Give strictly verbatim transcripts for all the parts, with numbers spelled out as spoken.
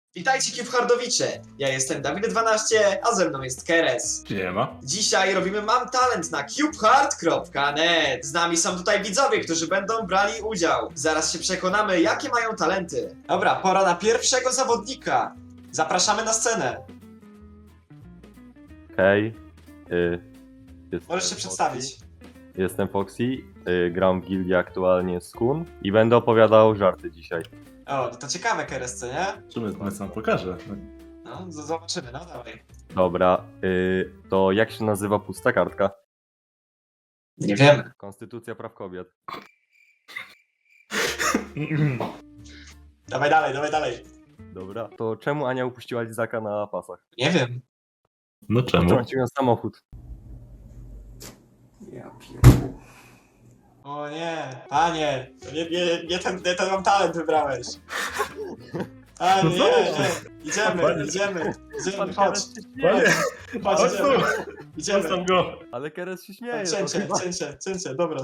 Witajcie Cube-Hardowicze, ja jestem Dawid dwanaście, a ze mną jest Keres. Siema. Dzisiaj robimy Mam Talent na cubehard kropka net. Z nami są tutaj widzowie, którzy będą brali udział. Zaraz się przekonamy, jakie mają talenty. Dobra, pora na pierwszego zawodnika. Zapraszamy na scenę. Hej, y, jestem Możesz się Foxy. przedstawić. Jestem Foxy, y, gram w gildii aktualnie z Kun i będę opowiadał żarty dzisiaj. O, no to ciekawe Keres, co nie? Czym ja sam pokażę? No, z- zobaczymy, no dawaj. Dobra, y, to jak się nazywa pusta kartka? Nie wiemy. Konstytucja praw kobiet. Dawaj dalej, dawaj dalej. Dobra, to czemu Ania upuściła lizaka na pasach? Nie wiem. No czemu? Wtrąciłem samochód. Ja pierdolę. O nie, panie, to nie, nie, nie, ten, nie ten mam talent wybrałeś. A No nie, co? nie, idziemy, Panie- idziemy, idziemy, Pan chodź, Keres się śmieje. Panie, chodź, chodź idziemy, tu! idziemy. Zostaw go! Ale Keres się śmieje. to Cięcie, chyba- cięcie, cięcie, dobra.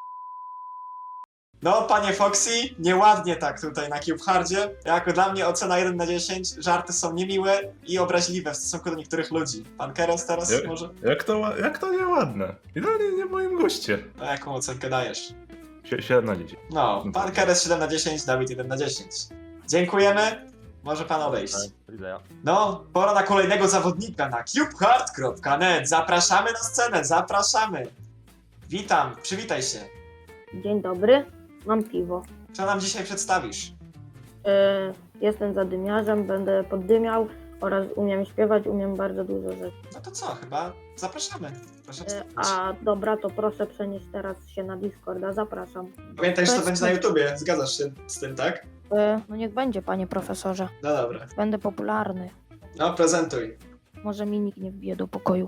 No, panie Foxy, nieładnie tak tutaj na CubeHardzie. Jako dla mnie ocena jeden na dziesięć, żarty są niemiłe i obraźliwe w stosunku do niektórych ludzi. Pan Keres teraz Jak- może? Jak to, ła- jak to nieładne? Idealnie nie w moim guście. A jaką ocenkę dajesz? Sie- siedem na dziesięć. No, pan Keres siedem na dziesięć, Dawid jeden na dziesięć. Dziękujemy, może pan odejść. Do widzenia. No, pora na kolejnego zawodnika na cubehard kropka net. Zapraszamy na scenę, zapraszamy. Witam, przywitaj się. Dzień dobry, mam piwo. Co nam dzisiaj przedstawisz? Yy, jestem zadymiarzem, będę poddymiał oraz umiem śpiewać, umiem bardzo dużo rzeczy. No to co, chyba zapraszamy. Proszę Yy, przedstawić. a dobra, to proszę przenieść teraz się na Discorda, zapraszam. Pamiętaj, że to to będzie na jest- YouTubie, zgadzasz się z tym, tak? Yy, no niech będzie, panie profesorze. No dobra. Będę popularny. No, prezentuj. Może mi nikt nie wbije do pokoju.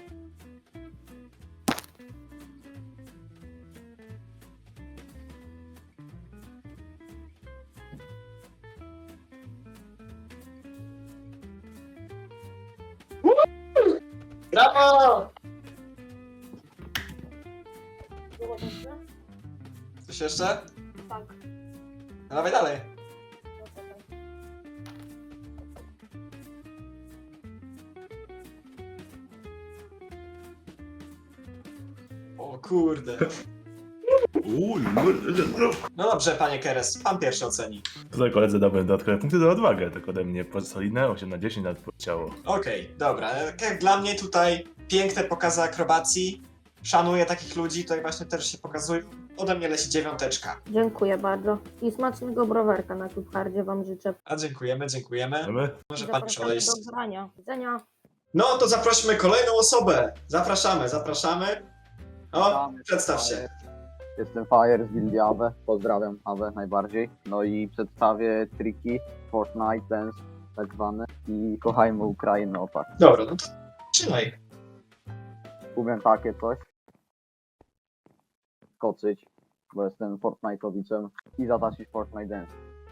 Brawo! Coś jeszcze? Tak. No dawaj dalej. O kurde. No dobrze, panie Keres, pan pierwszy oceni. Tutaj koledzy damy dodatkowe punkty za odwagę, tak ode mnie solidne osiem na dziesięć nawet poleciało. Okej, dobra. Jak dla mnie tutaj piękne pokazy akrobacji. Szanuję takich ludzi, tutaj właśnie też się pokazują. Ode mnie leci dziewiąteczka. Dziękuję bardzo. I smacznego browerka na CubeHardzie wam życzę. A dziękujemy, dziękujemy. Wiemy? Może pan już Zapraszamy odejść. do grania. Do widzenia. No to zaprośmy kolejną osobę. Zapraszamy, zapraszamy. O, Witamy, przedstaw Fire. się. Jestem Fire z gildii Awe, pozdrawiam Awe najbardziej. No i przedstawię triki, Fortnite Dance tak zwane i kochajmy Ukrainę opak. Dobra, no to trzymaj. Umiem takie coś. Skoczyć, bo jestem Fortnite'owiczem i zatańczyć Fortnite Dance.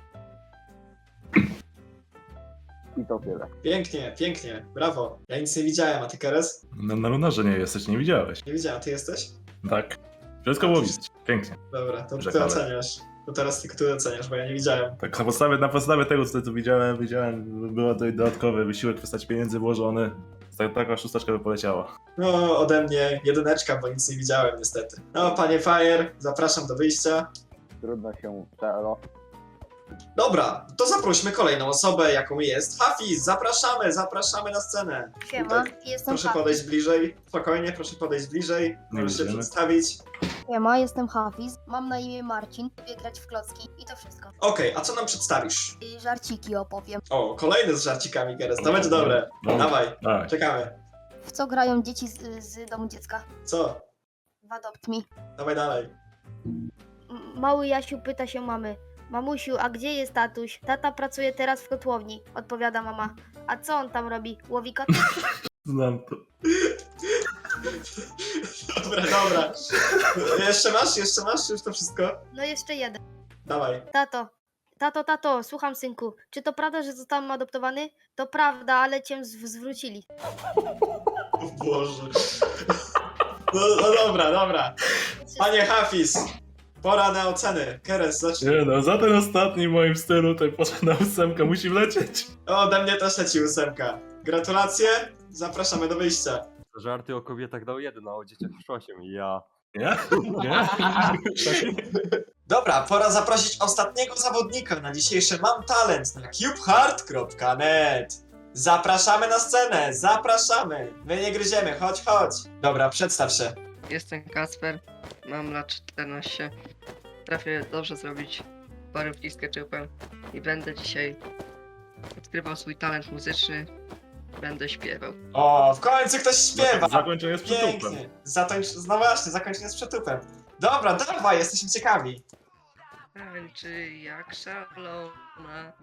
I to tyle. Pięknie, pięknie. Brawo. Ja nic nie widziałem, a ty Keres? No, na lunarze nie jesteś, nie widziałeś. Nie widziałem, ty jesteś? Tak. Wszystko było widać. Pięknie. Dobra, to ty Rzekale. oceniasz. To teraz tylko ty oceniasz, bo ja nie widziałem. Tak na podstawie, na podstawie tego, co tu widziałem, widziałem, było to dodatkowy wysiłek w postaci pieniędzy włożony. Tak, taka szósteczka by poleciała. No, ode mnie jedyneczka, bo nic nie widziałem niestety. No, panie Fire, zapraszam do wyjścia. Trudno się czelo. Dobra, to zaprośmy kolejną osobę, jaką jest Hafiz. Zapraszamy, zapraszamy na scenę. Siema, Tutaj. jestem Proszę Hafiz. podejść bliżej. Spokojnie, proszę podejść bliżej. Możesz się widzimy. przedstawić. Siema, jestem Hafiz. Mam na imię Marcin. Lubię grać w klocki i to wszystko. Okej, a co nam przedstawisz? I żarciki opowiem. O, kolejny z żarcikami, Keres. To będzie dobre. No, Dawaj, tak. czekamy. W co grają dzieci z, z domu dziecka? Co? W Adopt Me. Dawaj dalej. M- Mały Jasiu pyta się mamy. Mamusiu, a gdzie jest tatuś? Tata pracuje teraz w kotłowni. Odpowiada mama. A co on tam robi? Łowi koty? Znam to. Dobra, dobra. Jeszcze masz? Jeszcze masz? Już to wszystko? No jeszcze jeden. Dawaj. Tato. Tato, tato, słucham synku. Czy to prawda, że zostałem adoptowany? To prawda, ale cię zw- zwrócili. O Boże. No, no dobra, dobra. Panie Hafiz, pora na oceny. Keres, zacznij. Nie no, za ten ostatni w moim stylu tutaj poszedł na ósemkę, musi wlecieć. O, ode mnie też leci ósemka. Gratulacje, zapraszamy do wyjścia. Żarty o kobietach dał jeden, a o dzieciach już osiem. Ja. Nie? Nie? Dobra, pora zaprosić ostatniego zawodnika na dzisiejsze Mam Talent na cubehard kropka net. Zapraszamy na scenę, zapraszamy. My nie gryziemy, chodź, chodź. Dobra, przedstaw się. Jestem Kasper, mam lat czternaście. Trafię dobrze zrobić parówki z ketchupem i będę dzisiaj odkrywał swój talent muzyczny. Będę śpiewał. O, w końcu ktoś śpiewa. Zakończenie z przytupem. Pięknie. Zatończ... No właśnie, zakończenie z przytupem. Dobra, dawaj, jesteśmy ciekawi. Tańczy jak szalona.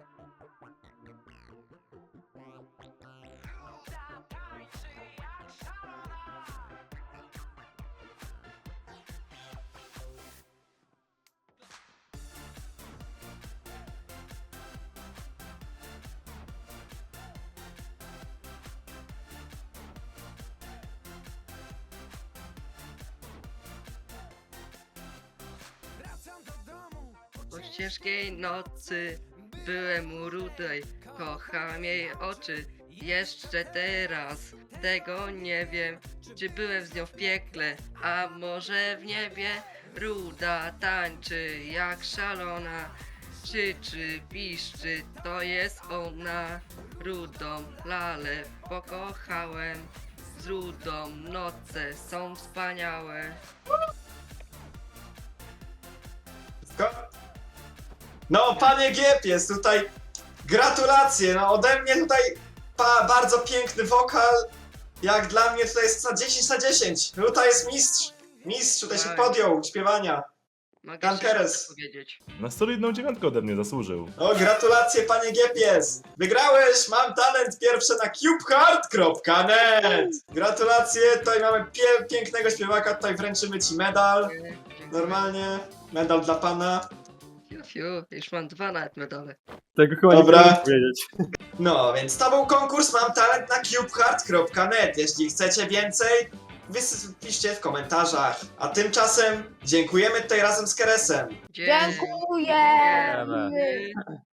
Po ciężkiej nocy byłem u rudej, kocham jej oczy. Jeszcze teraz tego nie wiem, czy byłem z nią w piekle, a może w niebie. Ruda tańczy jak szalona, krzyczy, piszczy, to jest ona. Rudą lalę pokochałem, z rudą noce są wspaniałe. Ko- No, panie Giepies, tutaj gratulacje, no ode mnie tutaj pa, bardzo piękny wokal. Jak dla mnie tutaj jest na dziesięć na dziesięć. Tutaj jest mistrz. Mistrz tutaj się Tak. podjął śpiewania. Mogę Pan się Keres. powiedzieć. Na solidną dziewiątkę ode mnie zasłużył. O, gratulacje panie Giepies. Wygrałeś, mam talent pierwszy na cubehard kropka net. Gratulacje, tutaj mamy pie pięknego śpiewaka, tutaj wręczymy ci medal. Dziękuję. Normalnie, medal dla pana. Fiu, fiu, już mam dwa nawet medale. Tego chyba Dobra. nie mogę powiedzieć. No, więc to był konkurs Mam Talent na cubehard kropka net. Jeśli chcecie więcej, wys- piszcie w komentarzach. A tymczasem dziękujemy tutaj razem z Keresem. Dziękuję! Dziękujemy.